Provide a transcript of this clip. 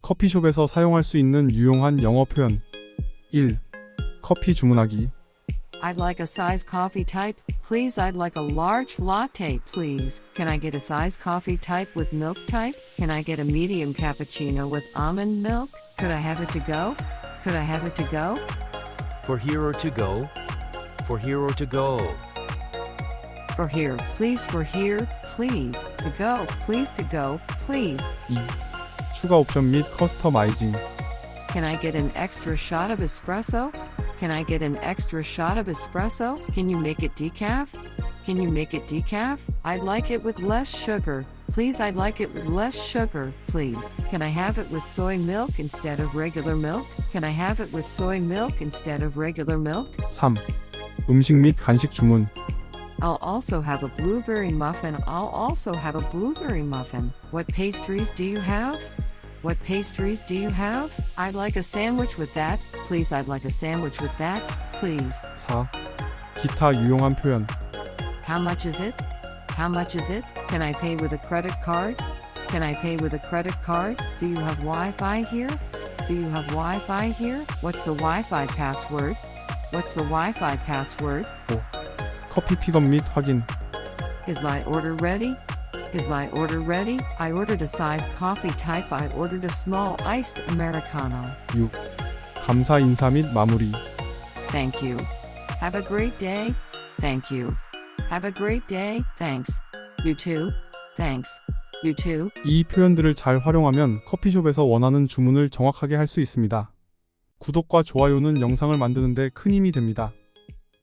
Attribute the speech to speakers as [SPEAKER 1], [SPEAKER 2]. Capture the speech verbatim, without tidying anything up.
[SPEAKER 1] 커피숍에서 사용할 수 있는 유용한 영어 표현. 일. 커피 주문하기.
[SPEAKER 2] I'd like a size coffee type, please. I'd like a large latte, please. Can I get a size coffee type with milk type? Can I get a medium cappuccino with almond milk? Could I have it to go? Could I have it to go?
[SPEAKER 3] For here or to go? For here or to go?
[SPEAKER 2] For here, please. For here, please. To go, please. To go, please.
[SPEAKER 1] 이. 추가 옵션 및 커스터마이징.
[SPEAKER 2] Can I get an extra shot of espresso? Can I get an extra shot of espresso? Can you make it decaf? Can you make it decaf? I'd like it with less sugar. Please, I'd like it with less sugar, please. Can I have it with soy milk instead of regular milk? Can I have it with soy milk instead of regular milk?
[SPEAKER 1] 삼. 음식 및 간식 주문.
[SPEAKER 2] I'll also have a blueberry muffin. I'll also have a blueberry muffin. What pastries do you have? What pastries do you have? I'd like a sandwich with that, please. I'd like a sandwich with that, please.
[SPEAKER 1] 사. 기타 유용한 표현.
[SPEAKER 2] How much is it? How much is it? Can I pay with a credit card? Can I pay with a credit card? Do you have Wi-Fi here? Do you have Wi-Fi here? What's the Wi-Fi password? What's the Wi-Fi password?
[SPEAKER 1] 오. 커피 픽업 및 확인.
[SPEAKER 2] Is my order ready? Is my order ready? I ordered a size coffee type. I ordered a small iced Americano.
[SPEAKER 1] 육. 감사 인사 및 마무리.
[SPEAKER 2] Thank you. Have a great day. Thank you. Have a great day. Thanks. You too. Thanks. You too.
[SPEAKER 1] 이 표현들을 잘 활용하면 커피숍에서 원하는 주문을 정확하게 할 수 있습니다. 구독과 좋아요는 영상을 만드는 데 큰 힘이 됩니다.